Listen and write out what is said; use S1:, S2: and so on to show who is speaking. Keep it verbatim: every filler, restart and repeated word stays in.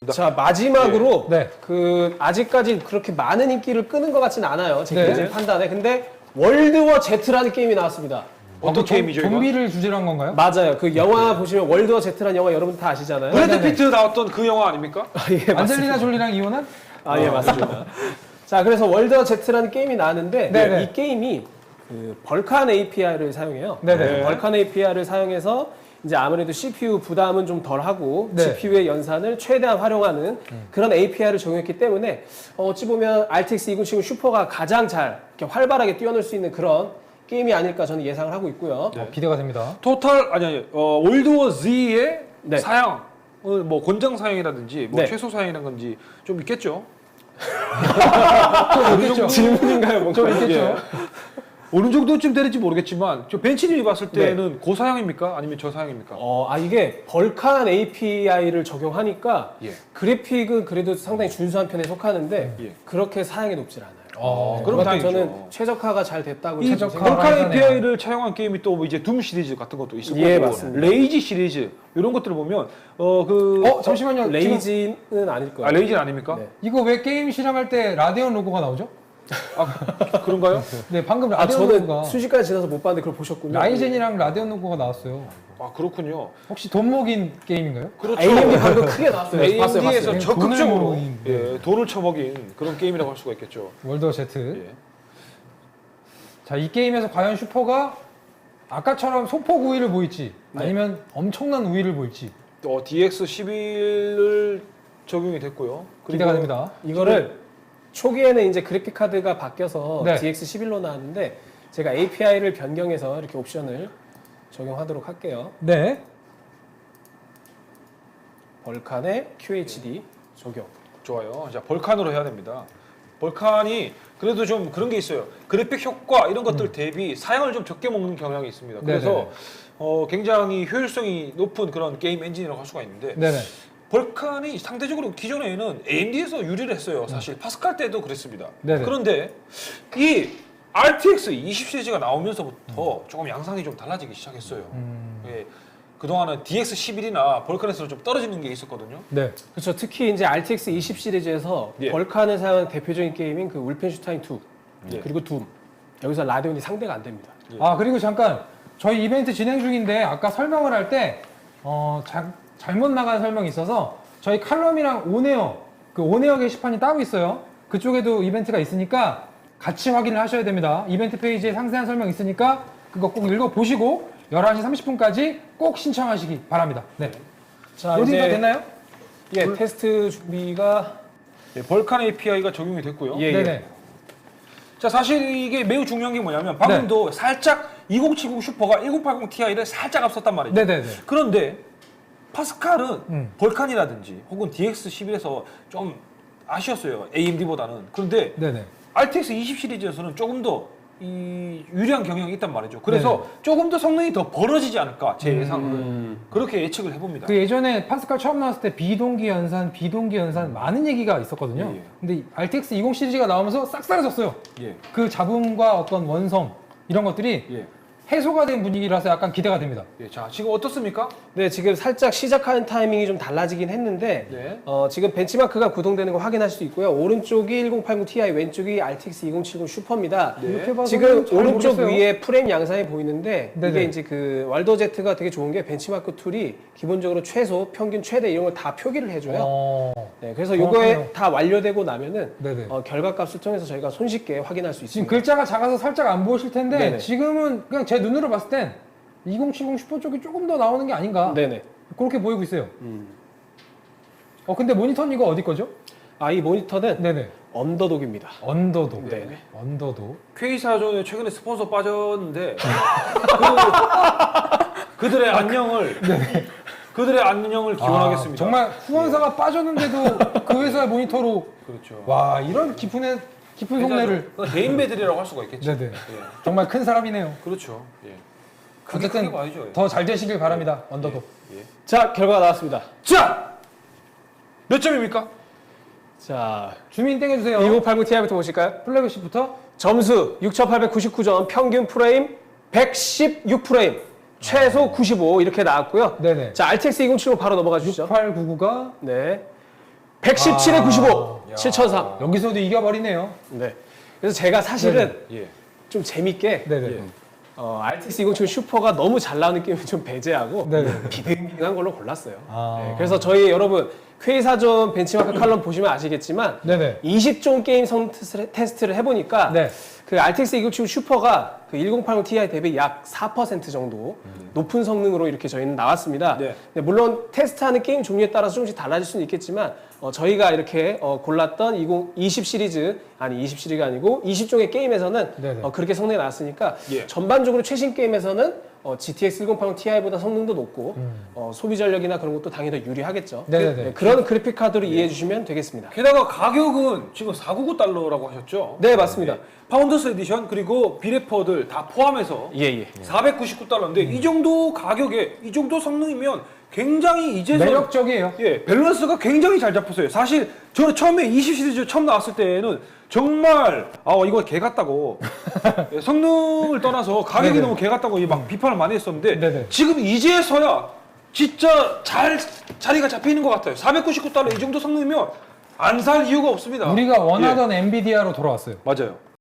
S1: 자, 마지막으로
S2: 네.
S1: 그 아직까지 그렇게 많은 인기를 끄는 것 같지는 않아요. 제
S2: 네.
S1: 개인적인 판단에. 근데 월드워 Z라는 게임이 나왔습니다.
S3: 어떤 게임이죠, 이거?
S2: 좀비를 주제로 한 건가요?
S1: 맞아요. 그 영화 보시면 월드워 Z라는 영화 여러분 다 아시잖아요.
S3: 브래드
S2: 네네.
S3: 피트 나왔던 그 영화 아닙니까?
S1: 아, 예, 맞습니다.
S2: 안젤리나 졸리랑 이혼한?
S1: 아, 예, 맞습니다. 자, 그래서 월드워 Z라는 게임이 나왔는데
S2: 네네.
S1: 이 게임이 그 벌칸 에이피아이를 사용해요.
S2: 네네.
S1: 네, 벌칸 에이피아이를 사용해서 이제 아무래도 씨피유 부담은 좀 덜하고
S2: 네.
S1: 지피유의 연산을 최대한 활용하는 그런 에이피아이를 적용했기 때문에 어, 어찌 보면 알티엑스 이천칠십 슈퍼가 가장 잘 이렇게 활발하게 뛰어놀 수 있는 그런 게임이 아닐까 저는 예상을 하고 있고요.
S2: 어, 기대가 됩니다.
S3: 토탈 아니 아니 어, 월드워 Z의
S1: 네.
S3: 사양, 어, 뭐 권장 사양이라든지 뭐
S1: 네.
S3: 최소 사양이라는 건지 좀 있겠죠.
S2: 좀 있겠죠.
S1: 질문인가요? 뭔가?
S2: 좀 있겠죠.
S3: 예. 어느 정도쯤 되는지 모르겠지만 저 벤치님이 봤을
S1: 네.
S3: 때는 고사양입니까? 아니면 저사양입니까?
S1: 어, 아 이게 벌칸 에이피아이를 적용하니까
S3: 예.
S1: 그래픽은 그래도 상당히 준수한 편에 속하는데
S3: 예.
S1: 그렇게 사양이 높질 않아요.
S2: 어,
S3: 그럼
S1: 그럼
S3: 다행이죠.
S1: 저는 최적화가 잘 됐다고
S3: 이
S1: 저는
S2: 최적화.
S1: 생각합니다.
S3: 벌칸
S2: 하네요.
S3: 에이피아이를 차용한 게임이 또 뭐 이제 둠 시리즈 같은 것도 있을 거고
S1: 예, 맞습니다.
S3: 레이지 시리즈 이런 것들을 보면 어그
S2: 어, 잠시만요. 지금
S1: 레이지는 아닐 거예요.
S3: 아, 레이지는 아닙니까?
S1: 네.
S2: 이거 왜 게임 실험할 때 라데온 로고가 나오죠?
S3: 아 그런가요?
S2: 네, 방금
S1: 아
S2: 라데온
S1: 저는
S2: 로고가
S1: 순식간에 지나서 못 봤는데 그걸 보셨군요.
S2: 라이젠이랑 라데온 로고가 나왔어요.
S3: 아 그렇군요.
S2: 혹시 돈 먹인 게임인가요?
S3: 그렇죠.
S1: 에이엠디 방금 크게 나왔어요. 봤어요,
S3: 에이엠디에서
S1: 봤어요.
S2: 돈을
S3: 적극적으로
S2: 먹인,
S3: 예, 돈을 쳐먹인 그런 게임이라고 할 수가 있겠죠.
S2: 월드워 Z.
S3: 예.
S2: 자, 이 게임에서 과연 슈퍼가 아까처럼 소폭 우위를 보일지
S1: 네.
S2: 아니면 엄청난 우위를 보일지
S3: 어, 디엑스 십일을 적용이 됐고요. 그리고
S2: 기대가 됩니다.
S1: 이거를 초기에는 이제 그래픽 카드가 바뀌어서
S2: 네.
S1: 디엑스 십일로 나왔는데 제가 에이피아이를 변경해서 이렇게 옵션을 적용하도록 할게요.
S2: 네.
S1: 벌칸의 큐에이치디 적용.
S3: 좋아요. 자, 벌칸으로 해야 됩니다. 벌칸이 그래도 좀 그런 게 있어요. 그래픽 효과 이런 것들 대비 사양을 좀 적게 먹는 경향이 있습니다. 그래서
S2: 네네.
S3: 어, 굉장히 효율성이 높은 그런 게임 엔진이라고 할 수가 있는데
S2: 네네.
S3: 벌칸이 상대적으로 기존에는 에이엠디에서 유리를 했어요. 사실 파스칼 때도 그랬습니다.
S2: 네네.
S3: 그런데 이 알티엑스 이십 시리즈가 나오면서부터 조금 양상이 좀 달라지기 시작했어요.
S2: 음.
S3: 예, 그동안은 디엑스 십일이나 벌칸에서 좀 떨어지는 게 있었거든요.
S2: 네.
S1: 그렇죠. 특히 이제 알티엑스 이십 시리즈에서
S3: 예.
S1: 벌칸을 사용한 대표적인 게임인 그 울펜슈타인 투
S3: 예.
S1: 그리고 둠. 여기서 라데온이 상대가 안 됩니다.
S2: 아, 그리고 잠깐 저희 이벤트 진행 중인데 아까 설명을 할 때 어, 자, 잘못 나간 설명이 있어서 저희 칼럼이랑 오네어 그 오네어 게시판이 따로 있어요. 그쪽에도 이벤트가 있으니까 같이 확인을 하셔야 됩니다. 이벤트 페이지에 상세한 설명 있으니까 그거 꼭 읽어보시고 열한 시 삼십 분까지 꼭 신청하시기 바랍니다. 네.
S1: 자,
S2: 로딩 다
S1: 이제
S2: 됐나요?
S1: 예, 테스트 준비가
S3: 예, 벌칸 에이피아이가 적용이 됐고요.
S1: 예,
S2: 네네.
S3: 자, 사실 이게 매우 중요한 게 뭐냐면 방금도 살짝 이천칠십 슈퍼가 천팔십 티아이를 살짝 앞섰단 말이죠.
S2: 네네네.
S3: 그런데 파스칼은
S2: 음.
S3: 벌칸이라든지 혹은 디엑스 십일에서 좀 아쉬웠어요. 에이엠디보다는. 그런데
S2: 네네.
S3: 알티엑스 이십 시리즈에서는 조금 더 이 유리한 경향이 있단 말이죠. 그래서
S2: 네.
S3: 조금 더 성능이 더 벌어지지 않을까 제 예상은
S1: 음.
S3: 그렇게 예측을 해봅니다.
S2: 그 예전에 파스칼 처음 나왔을 때 비동기 연산, 비동기 연산 많은 얘기가 있었거든요.
S3: 예, 예.
S2: 근데 알티엑스 이십 시리즈가 나오면서 싹 사라졌어요.
S3: 예,
S2: 그 잡음과 어떤 원성 이런 것들이
S3: 예,
S2: 해소가 된 분위기라서 약간 기대가 됩니다.
S3: 예. 자, 지금 어떻습니까?
S1: 네, 지금 살짝 시작하는 타이밍이 좀 달라지긴 했는데
S3: 네.
S1: 어, 지금 벤치마크가 구동되는 거 확인할 수 있고요. 오른쪽이 천팔십 티아이, 왼쪽이 알티엑스 이천칠십 슈퍼입니다.
S3: 네.
S2: 이렇게 봐서는
S1: 지금
S2: 잘
S1: 오른쪽
S2: 모르겠어요.
S1: 위에 프레임 양상이 보이는데
S2: 네네.
S1: 이게 이제 그 월더 제트가 되게 좋은 게 벤치마크 툴이 기본적으로 최소, 평균, 최대 이런 걸 다 표기를 해줘요.
S2: 어...
S1: 네, 그래서
S2: 정확하네요.
S1: 이거에 다 완료되고 나면은
S2: 네네.
S1: 어, 결과값을 통해서 저희가 손쉽게 확인할 수
S2: 지금
S1: 있습니다.
S2: 글자가 작아서 살짝 안 보이실 텐데
S1: 네네.
S2: 지금은 그냥 제 눈으로 봤을 땐 이천칠십 슈퍼 쪽이 조금 더 나오는 게 아닌가
S1: 네네.
S2: 그렇게 보이고 있어요.
S1: 음.
S2: 어 근데 모니터는 이거 어디 거죠?
S1: 아, 이 모니터는
S2: 네네.
S1: 언더독입니다.
S2: 언더독.
S1: 네네.
S2: 언더독.
S3: K사전에 최근에 스폰서 빠졌는데 그, 그들의 안녕을 그들의 안녕을 기원하겠습니다.
S2: 아, 정말 후원사가 빠졌는데도 그 회사의 모니터로
S3: 그렇죠.
S2: 와 이런 깊은 애, 깊은 속내를.
S3: 대인배들이라고 할 수가 있겠죠.
S2: 네네.
S3: 예.
S2: 정말 큰 사람이네요.
S3: 그렇죠. 예. 크게
S2: 어쨌든
S3: 크게 봐야죠. 예.
S2: 더 잘 되시길 바랍니다. 언더독.
S3: 예.
S1: 자, 결과가 나왔습니다.
S3: 자, 몇 점입니까?
S1: 자,
S2: 주민 땡겨주세요.
S1: 이천팔십 티아이부터 보실까요?
S2: 플래그십부터.
S1: 점수 육천팔백구십구 점, 평균 프레임 백십육 프레임, 최소 구십오 이렇게 나왔고요.
S2: 네네.
S1: 자, 알티엑스 이천칠십 바로 넘어가 주시죠.
S2: 육팔구구가
S1: 네. 백십칠에
S2: 아.
S1: 구십오, 칠천삼.
S2: 여기서도 이겨버리네요.
S1: 네. 그래서 제가 사실은
S3: 예.
S1: 좀 재밌게
S2: 네네.
S3: 예.
S1: 어, 알티엑스 이공칠 슈퍼가 너무 잘 나오는 게임을 좀 배제하고
S2: 네네.
S1: 비등비등한 걸로 골랐어요.
S2: 아.
S1: 네, 그래서 저희 여러분 퀘이사전 벤치마크 칼럼 보시면 아시겠지만
S2: 네네.
S1: 이십 종 게임 성 테스트를- 테스트를 해보니까
S2: 네.
S1: 그 알티엑스 이공칠 슈퍼가 그 천팔십 티아이 대비 약 사 퍼센트 정도 높은 성능으로 이렇게 저희는 나왔습니다.
S3: 네.
S1: 근데 물론 테스트하는 게임 종류에 따라서 조금씩 달라질 수는 있겠지만 어, 저희가 이렇게 어, 골랐던 이십 시리즈 아니 이십 시리즈가 아니고 이십 종의 게임에서는
S2: 네네.
S1: 어, 그렇게 성능이 나왔으니까
S3: 예.
S1: 전반적으로 최신 게임에서는 어, 지티엑스 천팔십 티아이보다 성능도 높고 어, 소비 전력이나 그런 것도 당연히 더 유리하겠죠.
S2: 네네네.
S1: 네, 그런 그래픽 카드로 이해해 주시면 되겠습니다.
S3: 게다가 가격은 지금 사백구십구 달러라고 하셨죠?
S1: 네, 맞습니다.
S3: 파운더스 에디션 그리고 비레퍼들 다 포함해서
S1: 예, 예.
S3: 사백구십구 달러인데 이 정도 가격에 이 정도 성능이면 굉장히 이제서
S2: 매력적이에요.
S3: 예, 밸런스가 굉장히 잘 잡혔어요. 사실 저는 처음에 이십 시리즈 처음 나왔을 때는 정말 아 이거 개 같다고 예, 성능을 떠나서 가격이
S2: 네네.
S3: 너무 개 같다고 막 비판을 많이 했었는데
S2: 네네.
S3: 지금 이제서야 진짜 잘 자리가 잡혀 있는 것 같아요. 사백구십구 달러 이 정도 성능이면 안 살 이유가 없습니다.
S2: 우리가 원하던 엔비디아로 돌아왔어요.
S3: 예, 맞아요.